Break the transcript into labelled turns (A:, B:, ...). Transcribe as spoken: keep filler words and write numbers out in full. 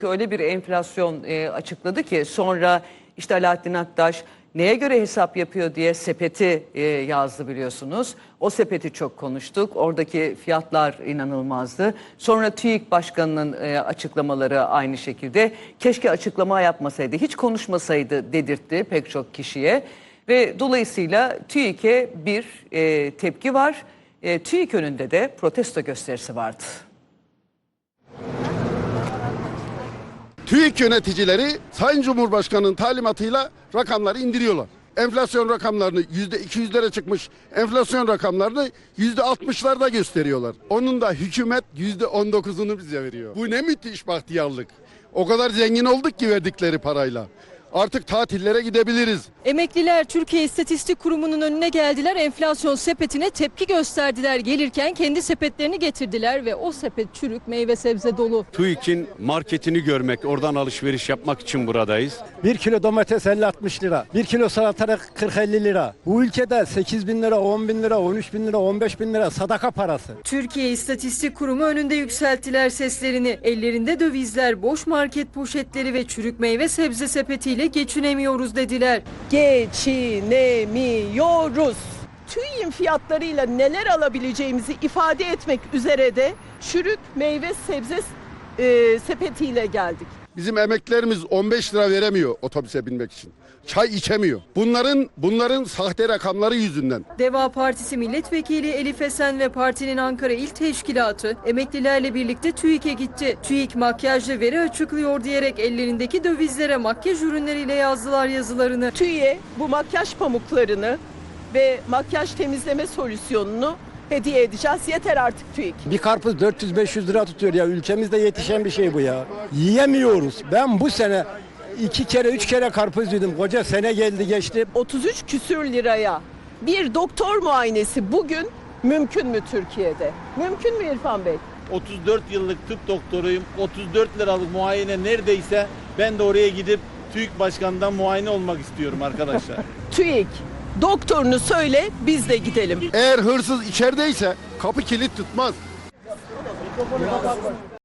A: Öyle bir enflasyon e, açıkladı ki sonra işte Alaaddin Aktaş neye göre hesap yapıyor diye sepeti e, yazdı biliyorsunuz. O sepeti çok konuştuk. Oradaki fiyatlar inanılmazdı. Sonra TÜİK Başkanı'nın e, açıklamaları aynı şekilde. Keşke açıklama yapmasaydı, hiç konuşmasaydı dedirtti pek çok kişiye. Ve dolayısıyla TÜİK'e bir e, tepki var. E, TÜİK önünde de protesto gösterisi vardı.
B: TÜİK yöneticileri Sayın Cumhurbaşkanı'nın talimatıyla rakamları indiriyorlar. Enflasyon rakamlarını yüzde iki yüzlere çıkmış enflasyon rakamlarını yüzde altmışlarda gösteriyorlar. Onun da hükümet yüzde on dokuzunu bize veriyor. Bu ne müthiş bahtiyarlık. O kadar zengin olduk ki verdikleri parayla. Artık tatillere gidebiliriz.
C: Emekliler Türkiye İstatistik Kurumu'nun önüne geldiler. Enflasyon sepetine tepki gösterdiler. Gelirken kendi sepetlerini getirdiler ve o sepet çürük, meyve sebze dolu.
D: TÜİK'in marketini görmek, oradan alışveriş yapmak için buradayız.
E: Bir kilo domates elli altmış lira, bir kilo salatalık kırk elli lira. Bu ülkede sekiz bin lira, on bin lira, on üç bin lira, on beş bin lira sadaka parası.
C: Türkiye İstatistik Kurumu önünde yükselttiler seslerini. Ellerinde dövizler, boş market poşetleri ve çürük meyve sebze sepetiyle geçinemiyoruz dediler.
F: Geçinemiyoruz. TÜİK'in fiyatlarıyla neler alabileceğimizi ifade etmek üzere de çürük meyve sebze e, sepetiyle geldik.
B: Bizim emeklilerimiz on beş lira veremiyor otobüse binmek için. Çay içemiyor. Bunların bunların sahte rakamları yüzünden.
C: Deva Partisi Milletvekili Elif Esen ve partinin Ankara İl Teşkilatı emeklilerle birlikte TÜİK'e gitti. TÜİK makyajlı veri açıklıyor diyerek ellerindeki dövizlere makyaj ürünleriyle yazdılar yazılarını.
F: TÜİK'e bu makyaj pamuklarını ve makyaj temizleme solüsyonunu hediye edeceğiz. Yeter artık TÜİK.
E: Bir karpuz dört yüz beş yüz lira tutuyor ya. Ülkemizde yetişen bir şey bu ya. Yiyemiyoruz. Ben bu sene iki kere üç kere karpuz yedim. Koca sene geldi geçti.
F: otuz üç küsür liraya bir doktor muayenesi bugün mümkün mü Türkiye'de? Mümkün mü İrfan Bey?
G: otuz dört yıllık tıp doktoruyum. otuz dört liralık muayene neredeyse ben de oraya gidip TÜİK Başkanı'ndan muayene olmak istiyorum arkadaşlar.
F: TÜİK doktorunu söyle biz de gidelim.
B: Eğer hırsız içerideyse kapı kilit tutmaz.